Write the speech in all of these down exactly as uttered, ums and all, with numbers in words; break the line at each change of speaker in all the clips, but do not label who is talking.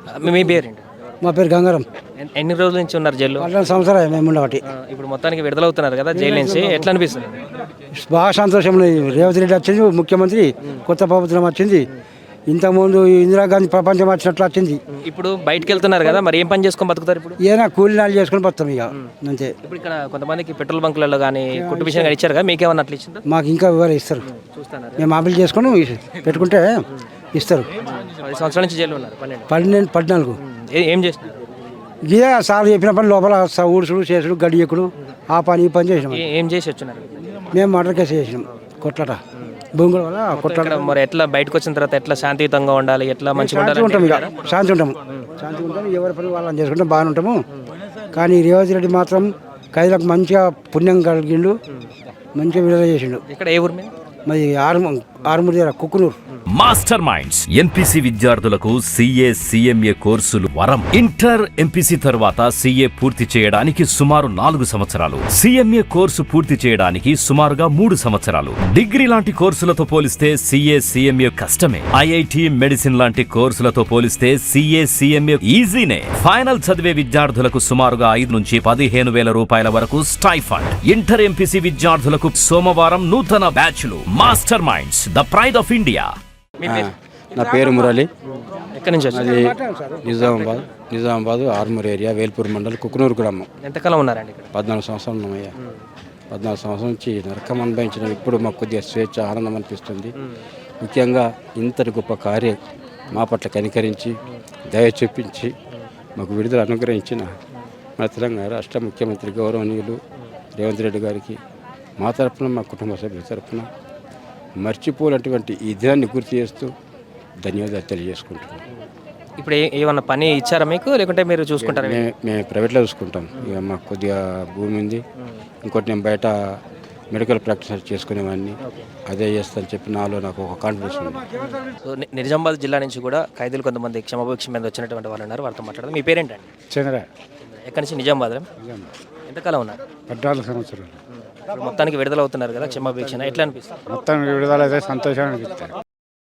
మీ మీ పేరేంటి?
మా పేరు గంగారం.
ఎన్- ఎన్ని రోజుల నుంచి ఉన్నారు జైల్లో?
పన్నెండు సంవత్సరాలు మేము ఉండబట్టి
ఆ, ఇప్పుడు మొత్తానికి విడుదలవుతున్నారు కదా జైలు నుంచి, ఎట్లా అనిపిస్తుంది?
బాగా సంతోషం ఉన్నది. రేవంత్ రెడ్డి వచ్చింది, ముఖ్యమంత్రి కొత్త ప్రభుత్వం వచ్చింది. ఇంతకుముందు ఇందిరాగాంధీ ప్రపంచం వచ్చినట్లు వచ్చింది.
ఇప్పుడు బయటకు వెళ్తున్నారు కదా, మరి ఏం పని చేసుకొని బతుకుతారు ఇప్పుడు?
ఏదైనా కూలినాలు చేసుకుని పోతాం ఇక అంతే.
ఇప్పుడు ఇక్కడ కొంతమందికి పెట్రోల్ బంకులలో కానీ కుట్టు విషయం కానీ ఇచ్చారు కదా, మీకేమన్నా అట్లా ఇచ్చిందా?
మాకు ఇంకా వివరం ఇస్తారు.
చూస్తున్నారు
మేము అమలు చేసుకుని పెట్టుకుంటే ఇస్తారు.
పది సంవత్సరాల నుంచి జైలు ఉన్నారు. పన్నెండు
పన్నెండు పద్నాలుగు
ఏ- ఏం చేస్తున్నారు?
ఇదే సార్ చెప్పిన పని లోపల స- ఊడుసుడు చేసుడు గడి ఎక్కుడు ఆ పని ఈ పని చేసినాం.
ఏ- ఏం చేసి వచ్చినారు?
మేము మర్డర్ కేసు చేసినాం. కొట్లాట భూముల వల్ల కొట్లాట.
ఇక్కడ మరి ఎట్లా బయటకు వచ్చిన తర్వాత ఎట్లా శాంతియుతంగా ఉండాలి, ఎట్లా మంచిగా
శాంతి
ఉండాలి?
ఉంటాం ఇక శాంతి ఉంటాము శాంతి ఉంటాం ఎవరి పని వాళ్ళని చేసుకుంటాం బాగానే ఉంటాము. కానీ రేవంత్ రెడ్డి మాత్రం ఖైదీలకు మంచిగా పుణ్యం కలిగిండు, మంచిగా విడుదల చేసిండు.
ఇక్కడ ఏ ఊరు మీద?
మరి ఆరు ఆరుమూరు దగ్గర కుక్కునూరు.
మాస్టర్ మైండ్స్ ఎంపీసీ విద్యార్థులకు సిఏ సిఎంఏ కోర్సులు వరం. ఇంటర్ ఎంపీసీ తర్వాత సిఏ పూర్తి చేయడానికి సుమారు నాలుగు సంవత్సరాలు, సిఎంఏ కోర్సు పూర్తి చేయడానికి సుమారుగా మూడు సంవత్సరాలు. డిగ్రీ లాంటి కోర్సులతో పోలిస్తే సిఏ సిఎంఏ కష్టమే. ఐఐటి మెడిసిన్ లాంటి కోర్సులతో పోలిస్తే సిఏ సిఎంఏ ఈజీనే. ఫైనల్ చదివే విద్యార్థులకు సుమారుగా ఐదు నుంచి పదిహేను వేల రూపాయల వరకు స్టైఫండ్. ఇంటర్ ఎంపీసీ విద్యార్థులకు సోమవారం నూతన బ్యాచ్లు. Master minds, the pride of India.
మీ పేరు?
నా పేరు మురళి.
ఎక్కడి నుంచి వచ్చారు?
అది నిజామాబాద్ నిజామాబాద్ ఆర్మూర్ ఏరియా వేల్పూర్ మండల్ కుకునూరు గ్రామం.
ఎంతకాలం ఉన్నారండి ఇక్కడ?
పద్నాలుగు సంవత్సరాలు ఉన్నామయ్యా. పద్నాలుగు సంవత్సరాల నుంచి నరకం అనుభవించిన ఇప్పుడు మాకు కొద్దిగా స్వేచ్ఛ ఆనందం అనిపిస్తుంది. ముఖ్యంగా ఇంతటి గొప్ప కార్యం మా పట్ల కనికరించి దయ చూపించి మాకు విడుదల అనుగ్రహించిన మన తెలంగాణ రాష్ట్ర ముఖ్యమంత్రి గౌరవనీయులు రేవంత్ రెడ్డి గారికి మా తరఫున మా కుటుంబ సభ్యుల తరఫున మర్చిపోలేటువంటి ఈ దినాన్ని గుర్తు చేస్తూ ధన్యవాదాలు తెలియజేసుకుంటున్నాం.
ఇప్పుడు ఏ- ఏమన్నా పని ఇచ్చారా మీకు, లేకుంటే మీరు చూసుకుంటారా?
మే మేము ప్రైవేట్లో చూసుకుంటాం. ఇక మాకు కొద్దిగా భూమి ఉంది. ఇంకోటి నేను బయట మెడికల్ ప్రాక్టీస్ చేసుకునేవాడిని, అదే చేస్తాను చెప్పి నాలో నాకు ఒక కాన్ఫిడెన్స్ ఉంది.
సో ని- నిజామాబాద్ జిల్లా నుంచి కూడా ఖైదీలు కొంతమంది క్షమాభిక్ష మీద వచ్చినటువంటి వాళ్ళు ఉన్నారు, వాళ్ళతో మాట్లాడదాం. మీ పేరేంటండి?
చంద్ర
ఎక్కడి నుంచి? నిజామాబాద్. ఎంతకాలం ఉన్నారు?
పద్నాలుగు సంవత్సరాలు.
ఇప్పుడు మొత్తానికి విడుదల అవుతున్నారు కదా క్షమాభిక్ష, ఎట్లా అనిపిస్తుంది?
మొత్తం విడుదల అయితే సంతోషాన్ని అనిపిస్తుంది.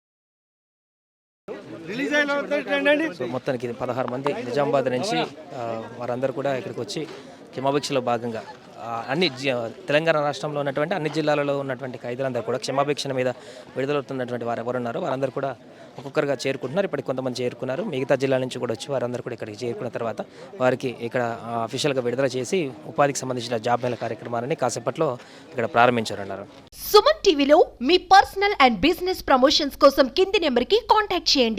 సో మొత్తానికి ఇది పదహారు మంది నిజామాబాద్ నుంచి ఆ, వారందరూ కూడా ఇక్కడికి వచ్చి క్షమాభిక్షలో భాగంగా ఆ, అన్ని జి- తెలంగాణ రాష్ట్రంలో ఉన్నటువంటి అన్ని జిల్లాలలో ఉన్నటువంటి ఖైదీలందరూ కూడా క్షమాభిక్షణ మీద విడుదలవుతున్నటువంటి వారు ఎవరు ఉన్నారో వారందరూ కూడా ఒక్కొక్కరుగా చేరుకుంటున్నారు. ఇప్పటికి కొంతమంది చేరుకున్నారు, మిగతా జిల్లాల నుంచి కూడా వచ్చి వారందరూ కూడా ఇక్కడికి చేరుకున్న తర్వాత వారికి ఇక్కడ అఫీషియల్గా విడుదల చేసి ఉపాధికి సంబంధించిన జాబ్ మేళ కార్యక్రమాలని కాసేపట్లో ఇక్కడ ప్రారంభించారన్నారు.
సుమన్ టీవీలో మీ పర్సనల్ అండ్ బిజినెస్ ప్రమోషన్స్ కోసం కింది నెంబర్కి కాంటాక్ట్ చేయండి.